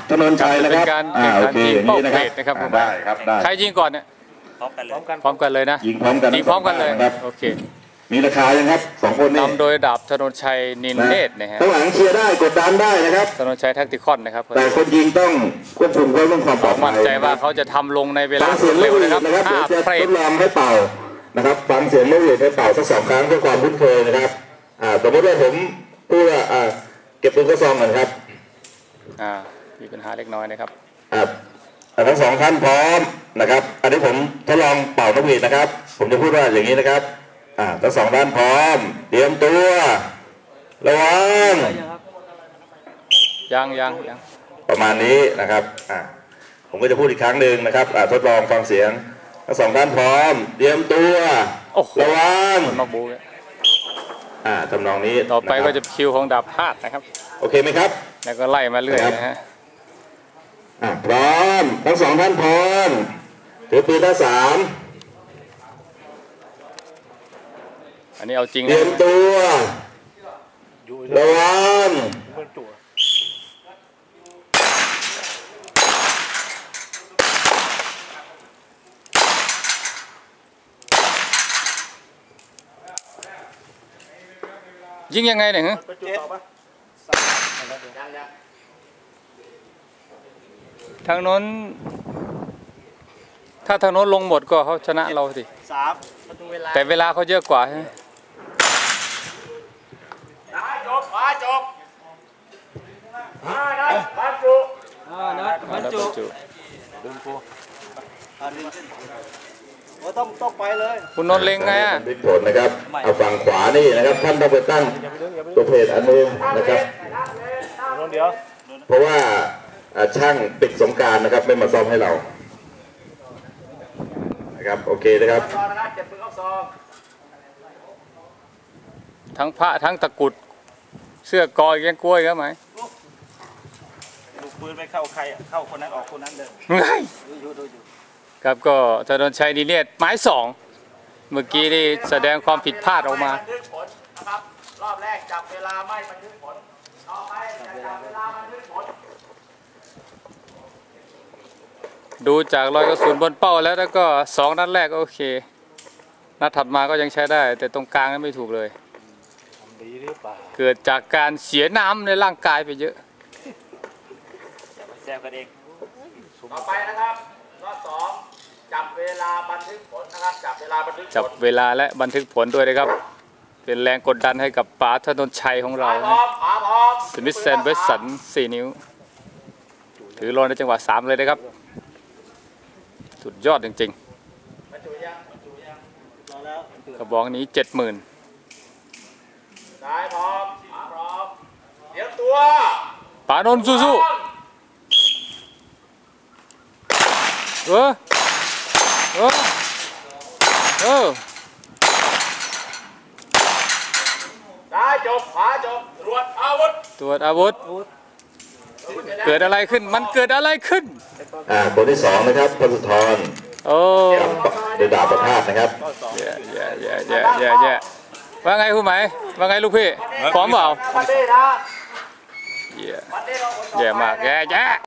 ถนนชัยนะครับเป็นการแข่งขันยิงเป้าเพจนะครับได้ครับได้ใครยิงก่อนเนี่ยพร้อมกันเลยนะยิงพร้อมกันเลยโอเคมีราคายังครับ2คนนี้นำโดยดาบถนนชัยนินเนตรนะฮะข้างหลังเชียร์ได้กดดันได้นะครับถนนชัยแท็กติคอนนะครับแต่คนยิงต้องควบคุมเรื่องความปลอดภัยมั่นใจว่าเขาจะทำลงในเวลาเร็วนะครับ 5 เฟรมทดลองให้เป่านะครับฟังเสียงนกหวีดให้เป่าสัก2 ครั้งเพื่อความคุ้นเคยนะครับสมมติว่าผมพูดว่าเก็บปืนกระซองก่อนครับมีปัญหาเล็กน้อยนะครับทั้ง2 ท่านพร้อมนะครับอันนี้ผมทดลองเป่านกหวีดนะครับผมจะพูดว่าอย่างนี้นะครับทั้ง2 ท่านพร้อมเตรียมตัวระวังยังประมาณนี้นะครับผมก็จะพูดอีกครั้งหนึ่งนะครับทดลองฟังเสียงทั้ง2 ท่านพร้อมเตรียมตัวระวังมาบูทำนองนี้ต่อไปก็จะคิวของดาบพาดนะครับโอเคไหมครับแล้วก็ไล่มาเรื่อยนะฮะพร้อมทั้ง2 ท่านพร้อมถือปืนท่า3 อันนี้เอาจริงเตรียมตัวระวังยิงยังไงเนี่ยฮะทางโน้นถ้าทางโน้นลงหมดก็เขาชนะเราสิแต่เวลาเขาเยอะกว่าใช่ไหมจบบรรจุดึงปูต้องไปเลยคุณนนท์เล็งไงบิ๊กผลนะครับเอาฝั่งขวานี่นะครับท่านต้องไปตั้งตัวเพจอันนึงนะครับเพราะว่าช่างปิดสงกรานต์นะครับไม่มาซ่อมให้เรานะครับโอเคนะครับทั้งพระทั้งตะกุดเสื้อกอยแกงกล้วยก็ไหมลูกปืนไปเข้าใครเข้าคนนั้นออกคนนั้นเลยครับก็ถนนชัยนินเนตรหมาย2เมื่อกี้นี่แสดงความผิดพลาดออกมานะครับรอบแรกจับเวลาไม่บันทึกผลต่อไปจับเวลาบันทึกผลดูจากรอยกระสุนบนเป้าแล้วก็2 นัดแรกโอเคนัดถัดมาก็ยังใช้ได้แต่ตรงกลางนั้นไม่ถูกเลยเกิดจากการเสียน้ำในร่างกายไปเยอะแซวกันเองต่อไปนะครับรอบ2จับเวลาบันทึกผลนะครับจับเวลาและบันทึกผลด้วยนะครับเป็นแรงกดดันให้กับป๋าถนนชัยของเราสมิธแซนเวสสัน4 นิ้วถือรอในจังหวะ3เลยนะครับสุดยอดจริงๆกระบอกนี้ 70,000 ได้พร้อมเตรียมตัวป๋านนท์สู้ได้จบตรวจอาวุธเกิดอะไรขึ้นมันเกิดอะไรขึ้นคนที่2นะครับพลสุธรโดยดาบประภาสนะครับว่าไงคุณหมายว่าไงลูกพี่พร้อมเปล่าแย่มากแย่